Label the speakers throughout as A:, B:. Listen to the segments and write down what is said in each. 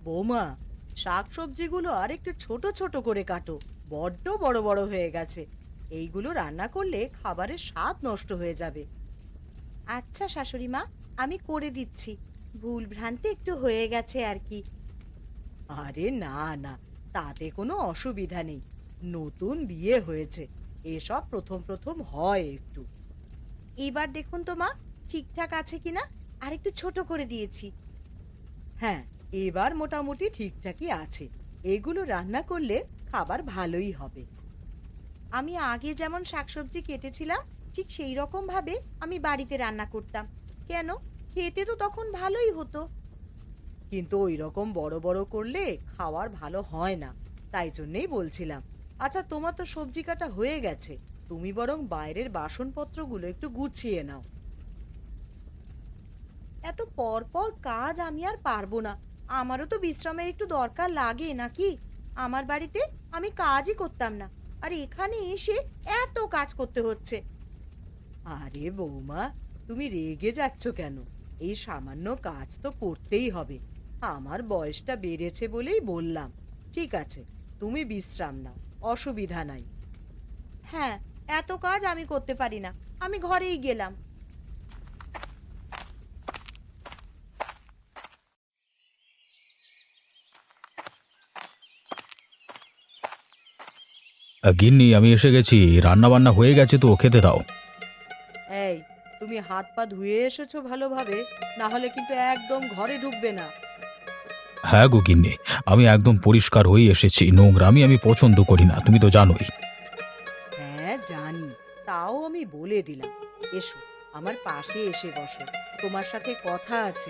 A: বৌমা, শাকসবজিগুলো আর একটু ছোট ছোট করে কাটো। বড্ড বড় বড় হয়ে গেছে। এইগুলো রান্না করলে খাবারের স্বাদ নষ্ট হয়ে যাবে। আচ্ছা শাশুড়ি মা, আমি করে দিচ্ছি। ভুল ভ্রান্তি একটু হয়ে গেছে আর কি। আরে না না, তাতে কোনো অসুবিধা নেই। নতুন বিয়ে হয়েছে, এসব প্রথম প্রথম হয় একটু। এবার দেখুন তো মা, ঠিকঠাক আছে কিনা। আর একটু ছোট করে দিয়েছি। হ্যাঁ, এবার মোটামুটি ঠিকঠাকই আছে। এগুলো রান্না করলে খাবার ভালোই হবে। আমি আগে যেমন শাকসবজি কেটেছিলাম, ঠিক সেই রকম ভাবে আমি বাড়িতে রান্না করতাম। কেন, খেতে তো তখন ভালোই হতো। কিন্তু ওই রকম বড় বড় করলে খাওয়ার ভালো হয় না, তাই জন্যেই বলছিলাম। আচ্ছা, তোমার তো সবজি কাটা হয়ে গেছে, তুমি বরং বাইরের বাসনপত্রগুলো একটু গুছিয়ে নাও। এত পর পর কাজ আমি আর পারবো না। আমারও তো বিশ্রামের একটু দরকার লাগে নাকি। আমার বাড়িতে আমি কাজই করতাম না, আর এখানে এসে এত কাজ করতে হচ্ছে। আরে বৌমা, তুমি রেগে যাচ্ছ কেন? এই সামান্য কাজ তো করতেই হবে। আমার বয়সটা বেড়েছে বলেই বললাম। ঠিক আছে, তুমি বিশ্রাম নাও, অসুবিধা নাই। হ্যাঁ, এত কাজ আমি করতে পারি না। আমি ঘরেই গেলাম।
B: গিন্নি, আমি এসে গেছি। রান্না বান্না হয়ে গেছে তো, খেতে দাও।
A: এই, তুমি হাত পা ধুয়ে এসেছো ভালোভাবে? না হলে কিন্তু একদম ঘরে ঢুকবে না।
B: হ্যাঁ গো গিন্নি, আমি একদম পরিষ্কার হয়ে এসেছি। নোংরামি আমি পছন্দ করি না, তুমি তো জানোই।
A: হ্যাঁ জানি, তাও আমি বলে দিলাম। এসো, আমার পাশে এসে বসো, তোমার সাথে কথা আছে।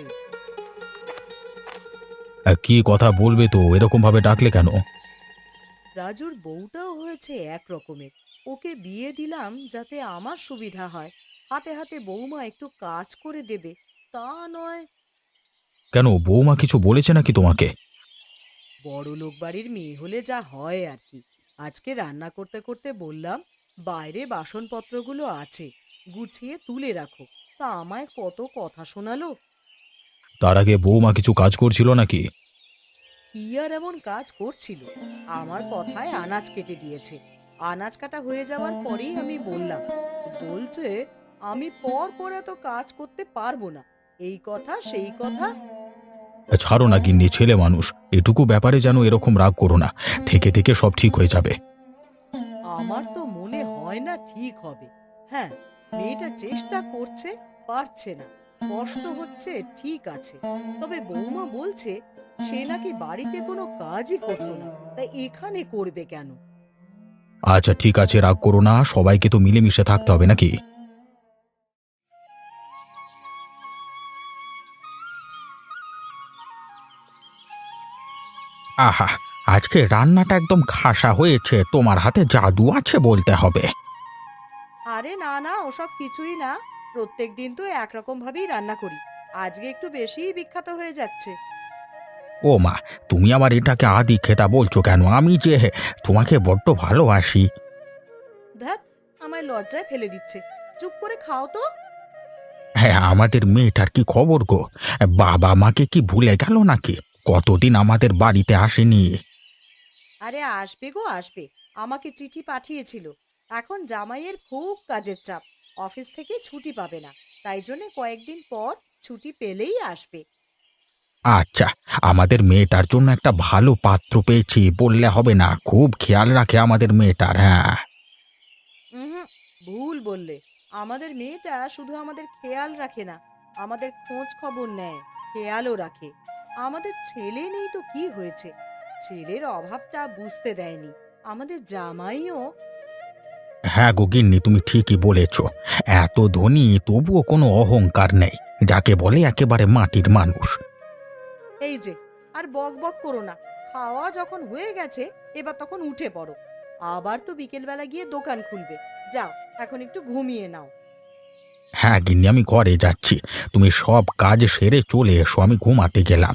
B: কি কথা বলবে তো? এরকম ভাবে ডাকলে কেন?
A: রাজুর বউটাও হয়েছে এক রকমের। ওকে বিয়ে দিলাম যাতে আমার সুবিধা হয়। হাতে হাতে বৌমা একটু কাজ করে দেবে, তা নয়।
B: কেন, বৌমা কিছু বলেছে নাকি তোমাকে?
A: বড় লোক বাড়ির মেয়ে হলে যা হয় আর কি। আজকে রান্না করতে করতে বললাম, বাইরে বাসনপত্রগুলো আছে, গুছিয়ে তুলে রাখো। তা আমায় কত কথা শোনালো।
B: তার আগে বৌমা কিছু কাজ করছিল নাকি?
A: কি আর এমন কাজ করছিল? আমার কথায় আনাজ কেটে দিয়েছে। আনাজ কাটা হয়ে যাওয়ার পরেই আমি বললাম, বলছে আমি পর পর এত কাজ করতে পারবো না। এই কথা সেই কথা।
B: ছাড়ো না গিন্নি, ছেলে মানুষ। এটুকু ব্যাপারে যেন এরকম রাগ করো না। থেকে থেকে সব ঠিক হয়ে যাবে।
A: আমার তো মনে হয় না ঠিক হবে। হ্যাঁ, মেয়েটা চেষ্টা করছে, পারছে না, কষ্ট হচ্ছে, ঠিক আছে। তবে বৌমা বলছে সে নাকি বাড়িতে কোনো কাজই করতো না, তাই এখানে করবে কেন?
B: আচ্ছা ঠিক আছে, রাগ করো না। সবাইকে তো মিলেমিশে থাকতে হবে নাকি? আহা, আজকে রান্নাটা একদম খাসা হয়েছে। তোমার হাতে জাদু আছে বলতে হবে।
A: আরে না না, ওসব কিছুই না। প্রত্যেক দিন তো একরকম ভাবেই রান্না করি। আজকে একটু বেশিই বিখ্যাত হয়ে যাচ্ছে।
B: ও মা, তুমি আমার এটাকে আদি খেতা বলছো কেন? আমি যে তোমাকে বড্ড ভালোবাসি।
A: ধ্যাত, আমায় লজ্জায় ফেলে দিচ্ছে। চুপ করে খাও তো।
B: হ্যাঁ, আমাদের মেয়েটার কি খবর গো? বাবা মাকে কি ভুলে গেল নাকি? কতদিন আমাদের বাড়িতে আসেনি।
A: আরে আসবে গো আসবে। আমাকে চিঠি পাঠিয়েছিল। এখন জামাইয়ের খুব কাজের চাপ, অফিস থেকে ছুটি পাবে না। তাই জন্য কয়েকদিন পর ছুটি পেলেই আসবে।
B: আচ্ছা, আমাদের মেয়েটার জন্য একটা ভালো পাত্র পেয়েছি বললে হবে না? খুব খেয়াল রাখে আমাদের মেয়েটার। হ্যাঁ।
A: হুম, ভুল বললে। আমাদের মেয়েটা শুধু আমাদের খেয়াল রাখে না, আমাদের খোঁজ খবর নেয়, খেয়ালও রাখে। আমাদের ছেলে নেই তো কি হয়েছে, ছেলের অভাবটা বুঝতে দেয়নি আমাদের জামাইও।
B: হ্যাঁ গো গিন্নি, তুমি ঠিকই বলেছ। এত ধনী তবুও কোনো অহংকার নেই, যাকে বলে একেবারে মাটির মানুষ।
A: এই যে, আর বক বক করো না। খাওয়া যখন হয়ে গেছে, এবার তখন উঠে পড়ো। আবার তো বিকেলবেলা গিয়ে দোকান খুলবে। যাও, এখন একটু ঘুমিয়ে নাও।
B: হ্যাঁ গিন্নি, আমি ঘরে যাচ্ছি। তুমি সব কাজ সেরে চলে এসো, আমি ঘুমাতে গেলাম।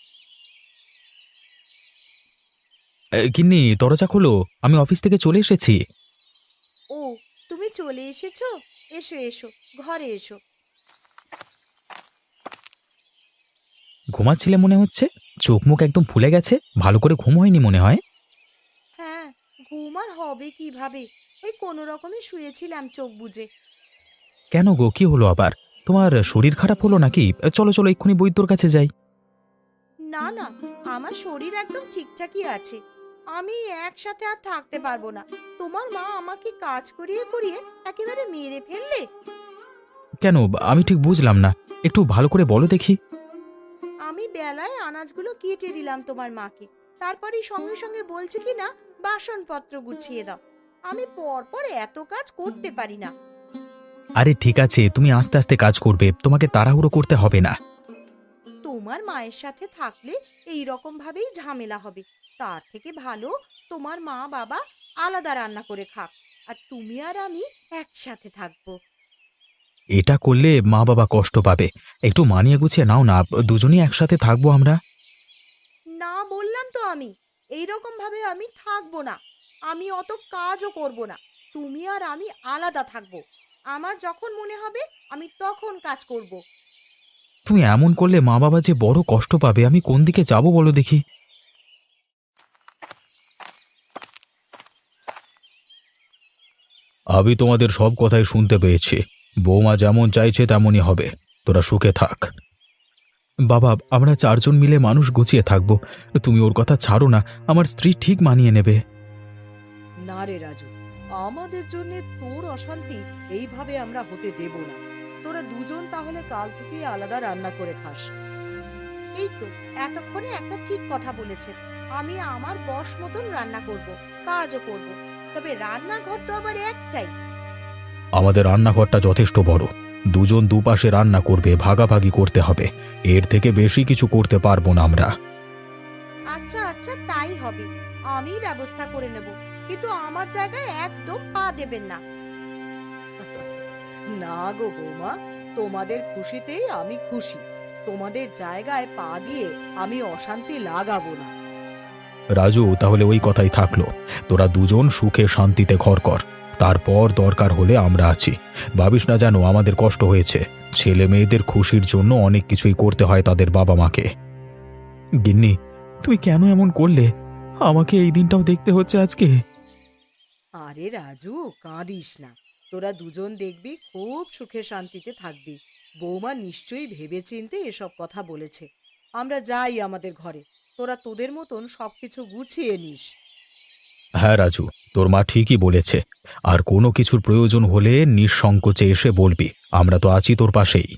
B: গিন্নি, দরজা খোলো। আমি অফিস থেকে চলে এসেছি।
A: ও, তুমি চলে এসেছো? এসো এসো, ঘরে এসো।
B: ঘুমাচ্ছিলে মনে হচ্ছে। চোখ মুখ একদম ফুলে গেছে, ভালো করে ঘুম হয়নি মনে হয়।
A: হ্যাঁ, ঘুম আর হবে কিভাবে? ওই কোনো রকমে শুয়েছিলাম চোখ বুজে।
B: কেন গো, কি হলো আবার? তোমার শরীর খারাপ হলো নাকি? চলো চলো, এক্ষুনি বৈদ্যর কাছে যাই।
A: না না, আমার শরীর একদম ঠিকঠাকই আছে। আমি একসাথে আর থাকতে পারবো না। তোমার মা আমাকে কাজ করিয়ে করিয়ে একেবারে মেরে ফেললে।
B: কেন, আমি ঠিক বুঝলাম না, একটু ভালো করে বলো দেখি।
A: আমি বেলায় আনাজগুলো কেটে দিলাম তোমার মাকে, তারপরেই সঙ্গে সঙ্গে বলছে কি না বাসনপত্র গুছিয়ে দাও। আমি পরপর এত কাজ করতে পারি না।
B: আরে ঠিক আছে, তুমি আস্তে আস্তে কাজ করবে, তোমাকে তাড়াহুড়ো করতে হবে না।
A: তোমার মায়ের সাথে থাকলে এই রকম ভাবেই ঝামেলা হবে। তার থেকে ভালো তোমার মা বাবা আলাদা রান্না করে খাক, আর তুমি আর আমি একসাথে থাকবো।
B: এটা করলে মা বাবা কষ্ট পাবে। একটু মানিয়ে গুছিয়ে নাও না, দুজনেই একসাথে থাকবো আমরা।
A: না বললাম তো, আমি এই রকম ভাবে আমি থাকবো না। আমি অত কাজও করব না। তুমি আর আমি আলাদা থাকবো। আমার যখন মনে হবে আমি তখন কাজ করব।
B: তুমি এমন করলে মা বাবা যে বড় কষ্ট পাবে, আমি কোন দিকে যাব বলো দেখি। আমি তোমাদের সব কথাই শুনতে পেয়েছি। বৌমা যেমন চাইছে তেমনই হবে। তোরা সুখে থাক। বাবা, আমরা চারজন মিলে মানুষ গুছিয়ে থাকবো। তুমি ওর কথা ছাড়ো না, আমার স্ত্রী ঠিক মানিয়ে নেবে।
A: না রে রাজু, আমাদের জন্য তোর অশান্তি এইভাবে আমরা হতে দেব না। তোরা দুজন তাহলে কাল থেকে আলাদা রান্না করে খাস। এই তো এতক্ষণে একটা ঠিক কথা বলেছে। আমি আমার বশ মতন রান্না করব, কাজও করব। তবে রান্নাঘর তো আবার একটাই।
B: আমাদের রান্নাঘরটা যথেষ্ট বড়। দুজন দুপাশে রান্না করবে, ভাগাভাগি করতে হবে। এর থেকে বেশি কিছু করতে পারবো না আমরা।
A: আচ্ছা আচ্ছা, তাই হবে। আমি ব্যবস্থা করে নেব, কিন্তু আমার জায়গায় একদম পা দেবেন না। না গো বৌমা, তোমাদের খুশিতেই আমি খুশি। তোমাদের জায়গায় পা দিয়ে আমি অশান্তি লাগাবো না।
B: রাজু, তাহলে ওই কথাই থাকলো। তোরা দুজন সুখে শান্তিতে ঘর কর। তারপর দরকার হলে আমরা আছি। ভাবিস না যেন আমাদের কষ্ট হয়েছে। ছেলে মেয়েদের খুশির জন্য অনেক কিছুই করতে হয় তাদের বাবা মাকে। গিন্নি, তুমি কেন এমন করলে? আমাকে এই দিনটাও দেখতে হচ্ছে আজকে।
A: আরে রাজু, কাঁদিস না। তোরা দুজন দেখবি খুব সুখে শান্তিতে থাকবি। বৌমা নিশ্চয়ই ভেবেচিন্তে এসব কথা বলেছে। আমরা যাই আমাদের ঘরে। তোরা তোদের মতন সবকিছু গুছিয়ে নিস।
B: হ্যাঁ রাজু, তোর মা ঠিকই বলেছে। আর কোনো কিছুর প্রয়োজন হলে নিঃসংকোচে এসে বলবি, আমরা তো আছি তোর পাশেই।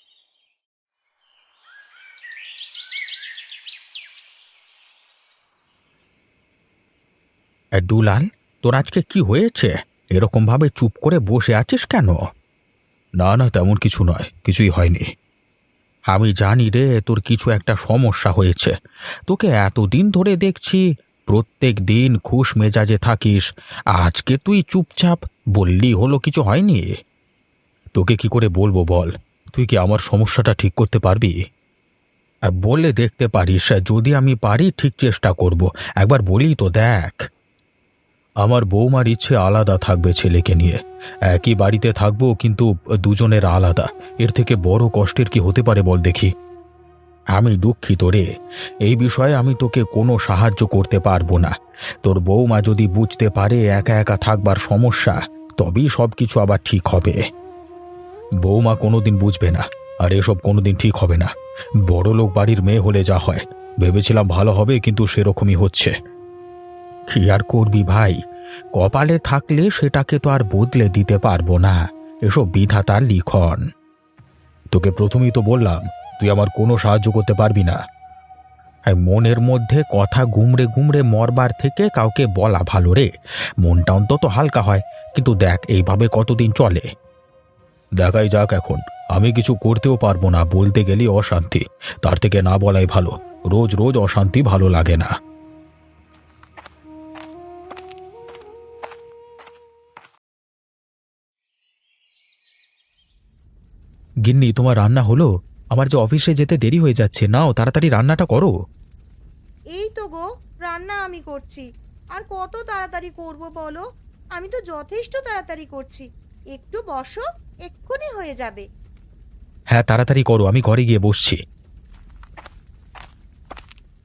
B: দুলাল, তোর আজকে কি হয়েছে? এরকম ভাবে চুপ করে বসে আছিস কেন? না না, তেমন কিছু নয়, কিছুই হয়নি। আমি জানি রে, তোর কিছু একটা সমস্যা হয়েছে। তোকে এতদিন ধরে দেখছি, প্রত্যেক দিন খুশ মেজাজে থাকিস। আজকে তুই চুপচাপ, বললি হলো কিছু হয়নি? তোকে কি করে বলবো বল? তুই কি আমার সমস্যাটা ঠিক করতে পারবি? বলে দেখতে পারিস, যদি আমি পারি ঠিক চেষ্টা করব। একবার বলি তো দেখ। আমার বৌমার ইচ্ছে আলাদা থাকবে ছেলেকে নিয়ে। একই বাড়িতে থাকবো, কিন্তু দুজনের আলাদা। এর থেকে বড় কষ্টের কি হতে পারে বল দেখি। আমি দুঃখিত রে, এই বিষয়ে আমি তোকে কোনো সাহায্য করতে পারবো না। তোর বৌমা যদি বুঝতে পারে একা একা থাকবার সমস্যা, তবেই সব কিছু আবার ঠিক হবে। বৌমা কোনোদিন বুঝবে না, আর এসব কোনোদিন ঠিক হবে না। বড়লোক বাড়ির মেয়ে হলে যা হয়, ভেবেছিলাম ভালো হবে, কিন্তু সেরকমই হচ্ছে। কি আর করবি ভাই, কপালে থাকলে সেটাকে তো আর বদলে দিতে পারবো না। এসব বিধাতার লিখন। তোকে প্রথমেই তো বললাম, তুই আমার কোনো সাহায্য করতে পারবি না। আর মনের মধ্যে কথা গুমড়ে গুমড়ে মরবার থেকে কাউকে বলা ভালো রে। মনটা অন্তত হালকা হয়। কিন্তু দেখ, এইভাবে কতদিন চলে? দেখাই যাক এখন। আমি কিছু করতেও পারবো না, বলতে গেলেই অশান্তি। তার থেকে না বলাই ভালো। রোজ রোজ অশান্তি ভালো লাগে না। গিন্নি, তোমার রান্না হলো? আমার যে অফিসে যেতে দেরি হয়ে যাচ্ছে, নাও তাড়াতাড়ি রান্নাটা করো।
A: এই তো গো, রান্না আমি করছি। আর কত তাড়াতাড়ি করব বলো? আমি তো যথেষ্ট তাড়াতাড়ি করছি। একটু বসো, এক্ষুনি হয়ে যাবে।
B: হ্যাঁ তাড়াতাড়ি করো, আমি ঘরে গিয়ে বসছি।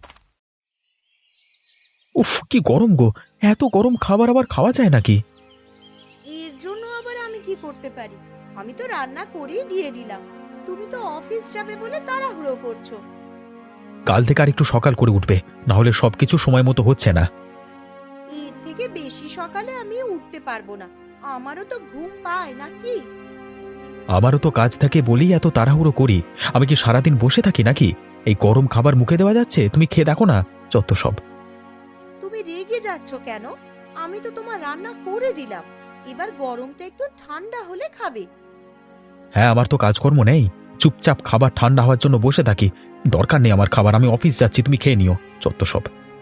B: উফ, কি গরম গো! এত গরম খাবার আবার খাওয়া যায় নাকি?
A: এর জন্য আবার আমি কি করতে পারি? আমি তো রান্না করেই দিয়ে দিলাম। তুমি তো অফিস যাবে বলে তাড়াহুড়ো করছো।
B: কাল থেকে আর একটু সকাল করে উঠবে, না হলে সবকিছু সময় মতো হচ্ছে না।
A: এর থেকে বেশি সকালে আমি উঠতে পারবো না। আমারও তো ঘুম পায় নাকি?
B: আমারও তো কাজ থাকে বলেই এত তাড়াহুড়ো করি। আমি কি সারাদিন বসে থাকি নাকি? এই গরম খাবার মুখে দেওয়া যাচ্ছে? তুমি খেয়ে দেখো না, যত সব।
A: তুমি রেগে যাচ্ছ কেন? আমি তো তোমার রান্না করে দিলাম। এবার গরমটা একটু ঠান্ডা হলে খাবে।
B: হ্যাঁ, আমার তো কাজকর্ম নেই। চুপচাপ খাবার ঠান্ডা হওয়ার জন্য বসে থাকি। দরকার নেই আমার খাবার, আমি অফিস যাচ্ছি, তুমি খেয়ে নিও, যত সব।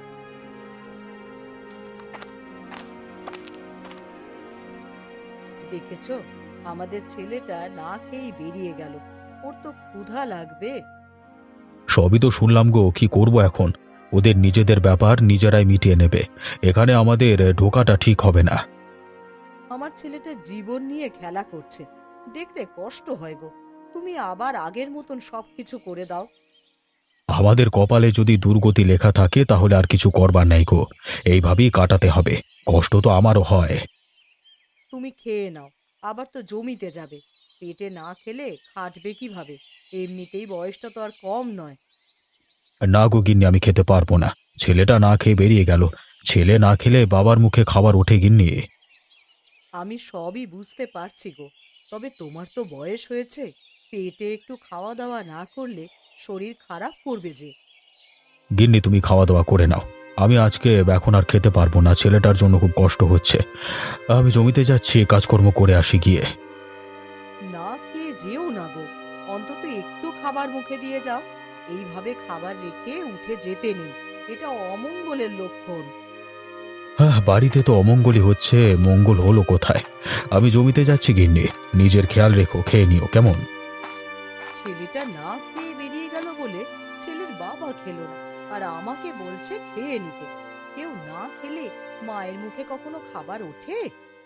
A: দেখেছো, আমাদের ছেলেটা না খেয়েই বেরিয়ে গেল। ওর তো ক্ষুধা লাগবে।
B: সবই তো শুনলাম গো, কি করব এখন? ওদের নিজেদের ব্যাপার নিজেরাই মিটিয়ে নেবে। এখানে আমাদের ঢোকাটা ঠিক হবে না।
A: আমার ছেলেটা জীবন নিয়ে খেলা করছে, দেখলে কষ্ট হয় গো। তুমি আবার আগের মতন সবকিছু করে দাও।
B: আমাদের কপালে যদি দুর্গতি লেখা থাকে তাহলে আর কিছু করবার নাই গো। এইভাবেই কাটাতে হবে। কষ্ট তো আমারও হয়।
A: তুমি খেয়ে নাও, আবার তো জমিতে যাবে। পেটে না খেলে খাটবে কিভাবে? এমনিতেই বয়সটা তো আর কম নয়।
B: না গো গিন্নি, আমি খেতে পারবো না। ছেলেটা না খেয়ে বেরিয়ে গেল। ছেলে না খেলে বাবার মুখে খাবার ওঠে গিন্নি।
A: আমি সবই বুঝতে পারছি গো, তবে তোমার তো বয়স হয়েছে। পেটে একটু খাওয়া দাওয়া না করলে শরীর খারাপ করবে যে।
B: গিন্নি, তুমি খাওয়া দাওয়া করে নাও। আমি আজকে এখন আর খেতে পারবো না, ছেলেটার জন্য খুব কষ্ট হচ্ছে। আমি জমিতে যাচ্ছি, কাজকর্ম করে আসি গিয়ে।
A: না খেয়ে যেও না গো, অন্তত একটু খাবার মুখে দিয়ে যাও। এইভাবে খাবার রেখে উঠে যেতে নেই, এটা অমঙ্গলের লক্ষণ।
B: হ্যাঁ, বাড়িতে তো অমঙ্গলই হচ্ছে, মঙ্গল হলো কোথায়? আমি জমিতে যাচ্ছি গিন্নি। নিজের খেয়াল রেখো, খেয়ে নিও কেমন?
A: ছেলেটা না খেয়ে বেরিয়ে গেল বলে ছেলের বাবা খেলো না, আর আমাকে বলছে খেয়ে নিতে। কেউ না খেলে মায়ের মুখে কখনো খাবার ওঠে?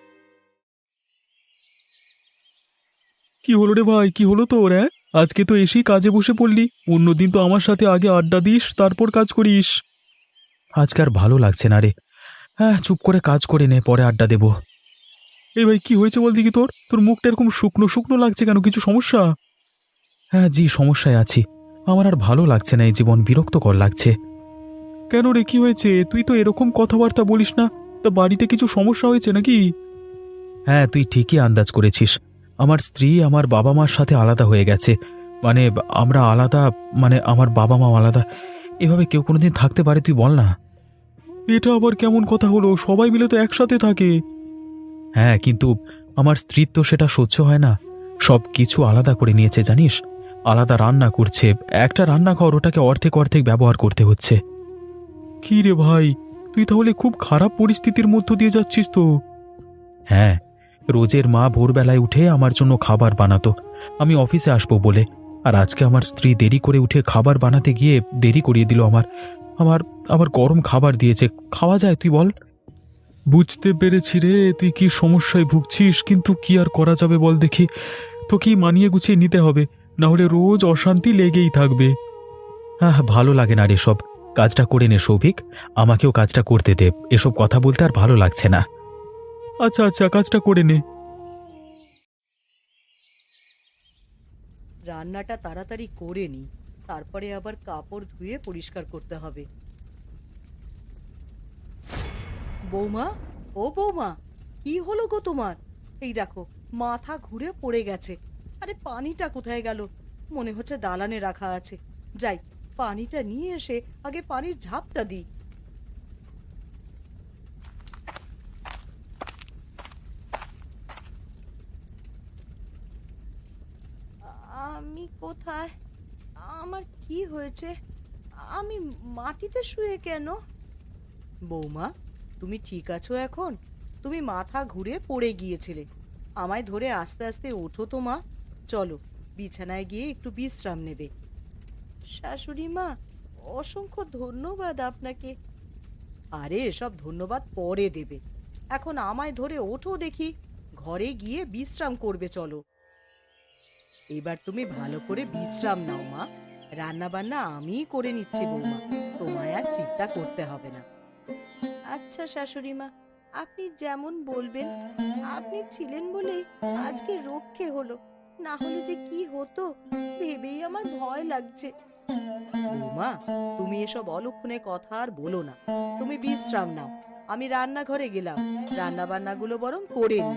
C: কি হলো রে ভাই, কি হলো তোর? হ্যাঁ, আজকে তো এসেই কাজে বসে পড়লি। অন্যদিন তো আমার সাথে আগে আড্ডা দিস, তারপর কাজ করিস।
B: আজকে আর ভালো লাগছে না রে। হ্যাঁ, চুপ করে কাজ করে নে, পরে আড্ডা দেবো।
C: এই ভাই, কি হয়েছে বল দেখি তোর? তোর মুখটা এরকম শুকনো শুকনো লাগছে কেন? কিছু সমস্যা?
B: হ্যাঁ জি, সমস্যায় আছি। আমার আর ভালো লাগছে না, এই জীবন বিরক্তকর লাগছে।
C: কেন রে, কি হয়েছে? তুই তো এরকম কথাবার্তা বলিস না। তা বাড়িতে কিছু সমস্যা হয়েছে নাকি?
B: হ্যাঁ, তুই ঠিকই আন্দাজ করেছিস। আমার স্ত্রী আমার বাবা মার সাথে আলাদা হয়ে গেছে। মানে আমরা আলাদা, মানে আমার বাবা মা আলাদা। এভাবে কেউ কোনোদিন থাকতে পারে, তুই বল না?
C: এটা আবার কেমন কথা হলো? সবাই মিলে তো একসাথে থাকে।
B: হ্যাঁ, কিন্তু আমার স্ত্রীর তো সেটা সহ্য হয় না। সব কিছু আলাদা করে নিয়েছে জানিস। আলাদা রান্না করছে। একটা রান্নাঘর, ওটাকে অর্ধেক অর্ধেক ব্যবহার করতে হচ্ছে।
C: কি রে ভাই, তুই তাহলে খুব খারাপ পরিস্থিতির মধ্য দিয়ে যাচ্ছিস তো।
B: হ্যাঁ, রোজের মা ভোরবেলায় উঠে আমার জন্য খাবার বানাতো আমি অফিসে আসবো বলে। আর আজকে আমার স্ত্রী দেরি করে উঠে খাবার বানাতে গিয়ে দেরি করিয়ে দিল আমার। আমার আবার গরম খাবার দিয়েছে। খাওয়া যায়, তুই বল?
C: বুঝতে পেরেছি রে, তুই কি সমস্যায় ভুগছিস, কিন্তু কি আর করা যাবে বল দেখি। তোকেই মানিয়ে গুছিয়ে নিতে হবে, না হলে রোজ অশান্তি লেগেই থাকবে।
B: হ্যাঁ, ভালো লাগে না রে সব। কাজটা করে নে সৌভিক, আমাকেও কাজটা করতে দে। এসব কথা বলতে আর ভালো লাগছে না।
C: আচ্ছা আচ্ছা, কাজটা করে নে।
A: রান্নাটা তাড়াতাড়ি করে নি, তারপরে আবার কাপড় ধুয়ে পরিষ্কার করতে হবে। বৌমা, ও বৌমা, কি হলো গো তোমার? এই দেখো, মাথা ঘুরে পড়ে গেছে। আরে পানিটা কোথায় গেল? মনে হচ্ছে দালানে রাখা আছে। যাই, পানিটা নিয়ে এসে আগে পানির ঝাপটা দিই। আমি কোথায়? আমার কি হয়েছে? আমি মাটিতে শুয়ে কেন? বৌমা, তুমি ঠিক আছো এখন? তুমি মাথা ঘুরে পড়ে গিয়েছিলে। আমায় ধরে আস্তে আস্তে ওঠো তো মা। চলো, বিছানায় গিয়ে একটু বিশ্রাম নেবে। শাশুড়ি মা, অসংখ্য ধন্যবাদ আপনাকে। আরে এসব ধন্যবাদ পরে দেবে। এখন আমায় ধরে ওঠো দেখি। ঘরে গিয়ে বিশ্রাম করবে, চলো। এবার তুমি ভালো করে বিশ্রাম নাও মা। রান্না বান্না আমিই করে নিচ্ছি বৌমা, তোমায় আর চিন্তা করতে হবে না। আচ্ছা শাশুড়ি মা, আপনি যেমন বলবেন। আপনি ছিলেন বলেই আজকে রক্ষে হলো, না হলে যে কি হতো ভেবেই আমার ভয় লাগছে। বৌমা, তুমি এসব অলক্ষণে কথা আর বলো না। তুমি বিশ্রাম নাও, আমি রান্নাঘরে গেলাম, রান্না বান্নাগুলো বরং করে নি।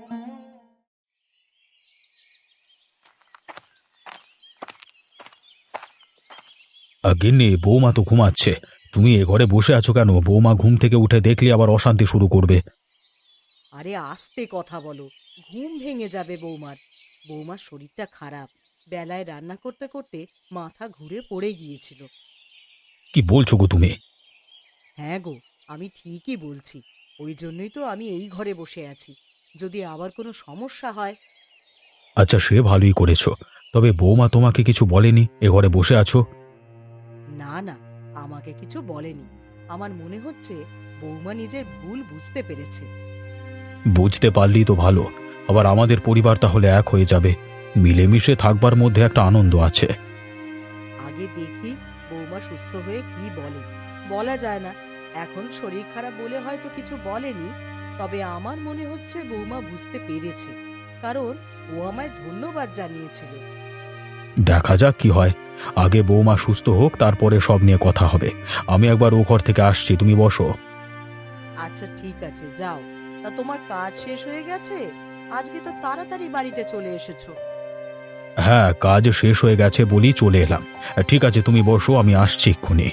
B: গিন্নি, বৌমা তো ঘুমাচ্ছে। তুমি এ ঘরে বসে আছো কেন? বৌমা ঘুম থেকে উঠে দেখলে আবার অশান্তি শুরু করবে।
A: আরে আস্তে কথা বলো, ঘুম ভেঙে যাবে বৌমার। বৌমার শরীরটা খারাপ, বেলায় রান্না করতে করতে মাথা ঘুরে পড়ে গিয়েছিল।
B: কি বলছো গো তুমি?
A: হ্যাঁ গো, আমি ঠিকই বলছি। ওই জন্যই তো আমি এই ঘরে বসে আছি। যদি আবার কোনো সমস্যা হয়।
B: আচ্ছা, সে ভালোই করেছো। তবে বৌমা তোমাকে কিছু বলেনি এ ঘরে বসে আছো?
A: না না, আমাকে কিছু বলেনি। আমার মনে হচ্ছে বৌমা নিজের ভুল বুঝতে পেরেছে।
B: বুঝতে পারলেই তো ভালো। আবার আমাদের পরিবার তাহলে এক হয়ে যাবে। মিলেমিশে থাকবার মধ্যে একটা আনন্দ আছে।
A: আগে দেখি বৌমা সুস্থ হয়ে কি বলে। বলা যায় না, এখন শরীর খারাপ বলে হয়তো কিছু বলেনি। তবে আমার মনে হচ্ছে বৌমা বুঝতে পেরেছে, কারণ ও আমায় ধন্যবাদ জানিয়েছিল।
B: দেখা যাক কি হয়। আগে বৌমা সুস্থ হোক, তারপরে সব নিয়ে কথা হবে। আমি একবার ও ঘর থেকে আসছি, তুমি বসো।
A: আচ্ছা ঠিক আছে, যাও। তা তোমার কাজ শেষ হয়ে গেছে? আজকে তো তাড়াতাড়ি বাড়িতে চলে এসেছো।
B: হ্যাঁ, কাজ শেষ হয়ে গেছে বলেই চলে এলাম। ঠিক আছে, তুমি বসো, আমি আসছি এক্ষুনি।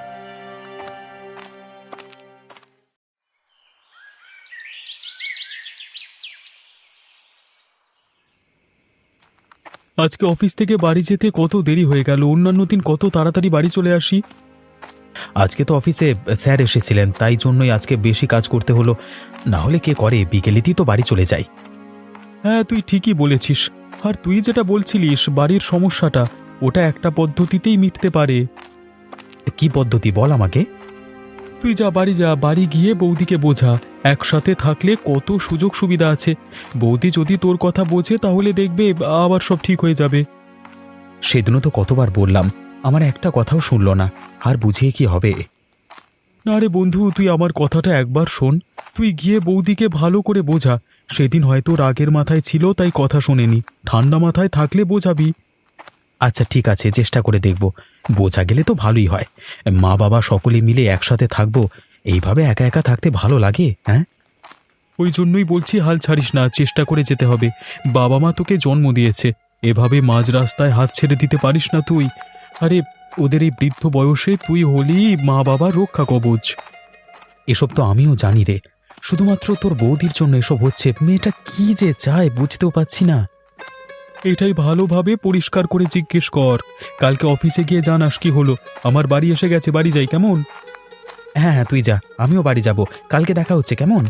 C: আজকে অফিস থেকে বাড়ি যেতে কত দেরি হয়ে গেল, অন্যান্য দিন কত তাড়াতাড়ি বাড়ি চলে আসি।
B: আজকে তো অফিসে স্যার এসেছিলেন, তাই জন্যই আজকে বেশি কাজ করতে হলো। না হলে কে করে, বিকেলেতেই তো বাড়ি চলে যাই।
C: হ্যাঁ, তুই ঠিকই বলেছিস। আর তুই যেটা বলছিলিস বাড়ির সমস্যাটা, ওটা একটা পদ্ধতিতেই মিটতে পারে।
B: কি পদ্ধতি বল আমাকে।
C: তুই যা, বাড়ি গিয়ে বৌদিকে বোঝা। একসাথে থাকলে কত সুযোগ সুবিধা আছে। বৌদি যদি তোর কথা বোঝে তাহলে দেখবে আবার সব ঠিক হয়ে যাবে।
B: সেদিনও তো কতবার বললাম, আমার একটা কথাও শুনলো না। আর বুঝিয়ে কি হবে?
C: না রে বন্ধু, তুই আমার কথাটা একবার শোন। তুই গিয়ে বৌদিকে ভালো করে বোঝা। সেদিন হয়তো রাগের মাথায় ছিল তাই কথা শোনেনি, ঠান্ডা মাথায় থাকলে বোঝাবি।
B: আচ্ছা ঠিক আছে, চেষ্টা করে দেখব। বোঝা গেলে তো ভালোই হয়। মা বাবা সকলে মিলে একসাথে থাকবো। এইভাবে একা একা থাকতে ভালো লাগে? হ্যাঁ,
C: ওই জন্যই বলছি, হাল ছাড়িস না, চেষ্টা করে যেতে হবে। বাবা মা তোকে জন্ম দিয়েছে, এভাবে মাঝ রাস্তায় হাত ছেড়ে দিতে পারিস না তুই। আরে, ওদের এই বৃদ্ধ বয়সে তুই হলি মা বাবার রক্ষা কবচ।
B: এসব তো আমিও জানি রে। শুধুমাত্র তোর বৌদির জন্য এসব হচ্ছে। মেয়েটা কি যে চায় বুঝতেও পারছি না।
C: এটাই ভালোভাবে পরিষ্কার করে জিজ্ঞেস কর। কালকে অফিসে গিয়ে জানাস কি হলো। আমার বাড়ি এসে গেছে, বাড়ি যাই কেমন?
B: হ্যাঁ হ্যাঁ, তুই যা, আমিও বাড়ি যাব। কালকে দেখা হচ্ছে, কেমন?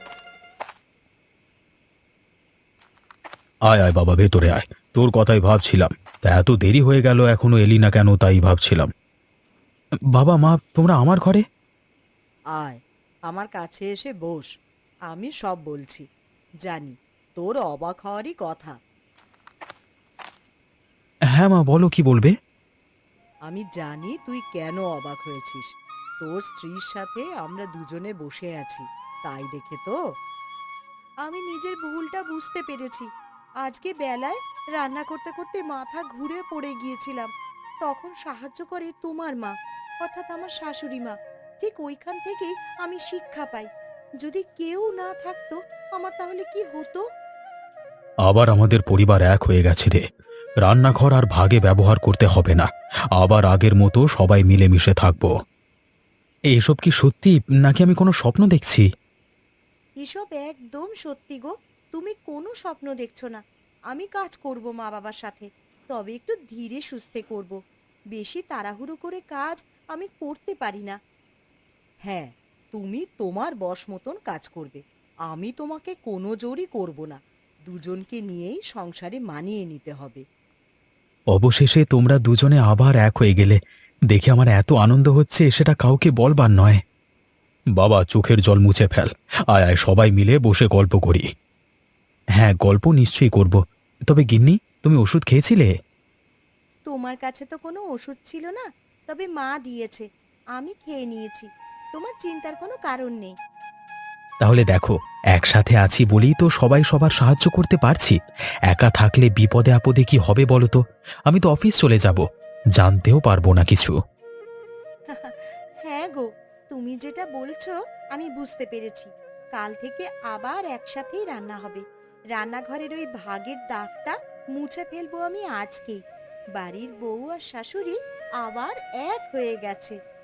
B: আয় আয় বাবা, ভেতরে আয়। তোর কথাই ভাবছিলাম। তা এত দেরি হয়ে গেল, এখনো এলি না কেন, তাই ভাবছিলাম। বাবা মা, তোমরা আমার ঘরে?
A: আয়, আমার কাছে এসে বস। আমি সব বলছি। জানি তোর অবাক হওয়ারই কথা।
B: হ্যাঁ মা, বলো, কি বলবে?
A: আমি জানি তুই কেন অবাক হয়েছিস। তোর স্ত্রীর সাথে আমরা দুজনে বসে আছি, তাই দেখে তো। আমি নিজের ভুলটা বুঝতে পেরেছি। আজকে বেলায় রান্না করতে করতে মাথা ঘুরে পড়ে গিয়েছিলাম। তখন সাহায্য করে তোমার মা, অর্থাৎ আমার শাশুড়ি মা। ঠিক ওইখান থেকেই আমি শিক্ষা পাই। যদি কেউ না থাকতো আমার তাহলে কি হতো।
B: আবার আমাদের পরিবার এক হয়ে গেছে রে। রান্নাঘর আর ভাগে ব্যবহার করতে হবে না। আবার আগের মতো সবাই মিলেমিশে থাকবো। এসব কি সত্যি, নাকি আমি কোনো স্বপ্ন দেখছি?
A: এসব একদম সত্যি গো। তুমি কোনো স্বপ্ন দেখছো না। আমি কাজ করব মা বাবার সাথে, তবে একটু ধীরে সুস্থে করব। বেশি তাড়াহুড়ো করে কাজ আমি করতে পারি না। হ্যাঁ, তুমি তোমার বশ মতন কাজ করবে। আমি তোমাকে কোনো জোরই করব না। দুজনকে নিয়েই সংসারে মানিয়ে নিতে হবে।
B: অবশেষে তোমরা দুজনে আবার এক হয়ে গেলে। দেখে আমার এত আনন্দ হচ্ছে, সেটা কাউকে বলবার নয়। বাবা, চোখের জল মুছে ফেল। আয় আয়, সবাই মিলে বসে গল্প করি। হ্যাঁ, গল্প নিশ্চয়ই করব। তবে গিন্নি, তুমি ওষুধ খেয়েছিলে?
A: তোমার কাছে তো কোনো ওষুধ ছিল না, তবে মা দিয়েছে, আমি খেয়ে নিয়েছি। তোমার চিন্তার কোনো কারণ নেই।
B: তাহলে দেখো, একসাথে আছি বলেই তো সবাই সবার সাহায্য করতে পারছি। একা থাকলে বিপদে আপদে কি হবে বলো তো? আমি তো অফিস চলে যাব, জানতেও পারবো না কিছু।
A: হ্যাঁ গো, তুমি যেটা বলছো আমি বুঝতে পেরেছি। কাল থেকে আবার একসাথেই রান্না হবে। রান্নাঘরের ওই ভাগের দাগটা মুছে ফেলবো আমি আজকেই। বাড়ির বউ আর শাশুড়ি আবার এক হয়ে গেছে।